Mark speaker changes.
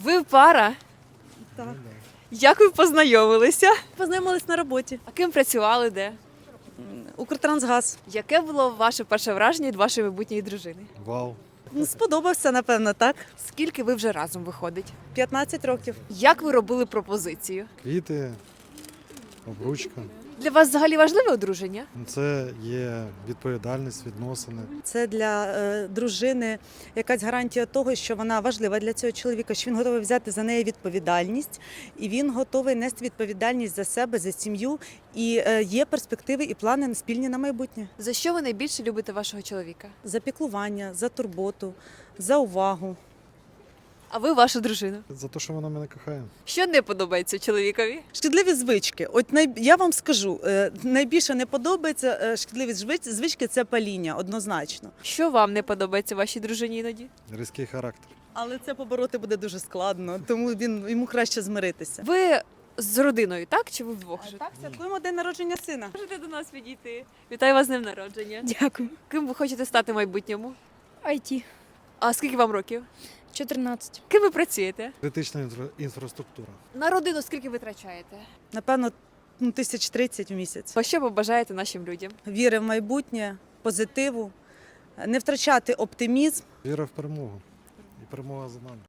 Speaker 1: Ви пара?
Speaker 2: Так.
Speaker 1: Як ви познайомилися?
Speaker 2: Познайомились на роботі.
Speaker 1: А ким працювали де?
Speaker 2: Укртрансгаз.
Speaker 1: Яке було ваше перше враження від вашої майбутньої дружини?
Speaker 3: Вау.
Speaker 2: Ну, сподобався, напевно, так.
Speaker 1: Скільки ви вже разом виходить?
Speaker 2: 15 років.
Speaker 1: Як ви робили пропозицію?
Speaker 3: Квіти, обручка.
Speaker 1: Для вас взагалі важливе одруження?
Speaker 3: Це є відповідальність, відносини.
Speaker 2: Це для дружини якась гарантія того, що вона важлива для цього чоловіка, що він готовий взяти за неї відповідальність, і він готовий нести відповідальність за себе, за сім'ю. І є перспективи і плани спільні на майбутнє.
Speaker 1: За що ви найбільше любите вашого чоловіка?
Speaker 2: За піклування, за турботу, за увагу.
Speaker 1: А ви вашу дружину?
Speaker 3: За те, що вона мене кохає.
Speaker 1: Що не подобається чоловікові?
Speaker 2: Шкідливі звички. От я вам скажу, найбільше не подобається шкідливі звички – це паління, однозначно.
Speaker 1: Що вам не подобається вашій дружині іноді?
Speaker 3: Різкий характер.
Speaker 2: Але це побороти буде дуже складно, тому йому краще змиритися.
Speaker 1: Ви з родиною, так? Чи ви вдвох живете?
Speaker 2: Так, святкуємо день народження сина.
Speaker 1: Можете до нас підійти. Вітаю вас з днем народження.
Speaker 4: Дякую.
Speaker 1: Ким ви хочете стати в майбутньому?
Speaker 4: IT.
Speaker 1: А скільки вам років?
Speaker 4: 14.
Speaker 1: Ким ви працюєте?
Speaker 3: Критична інфраструктура.
Speaker 1: На родину скільки ви витрачаєте?
Speaker 2: Напевно, 1030 в місяць.
Speaker 1: Що ви бажаєте нашим людям?
Speaker 2: Віри в майбутнє, позитиву, не втрачати оптимізм.
Speaker 3: Віра в перемогу. І перемога за нами.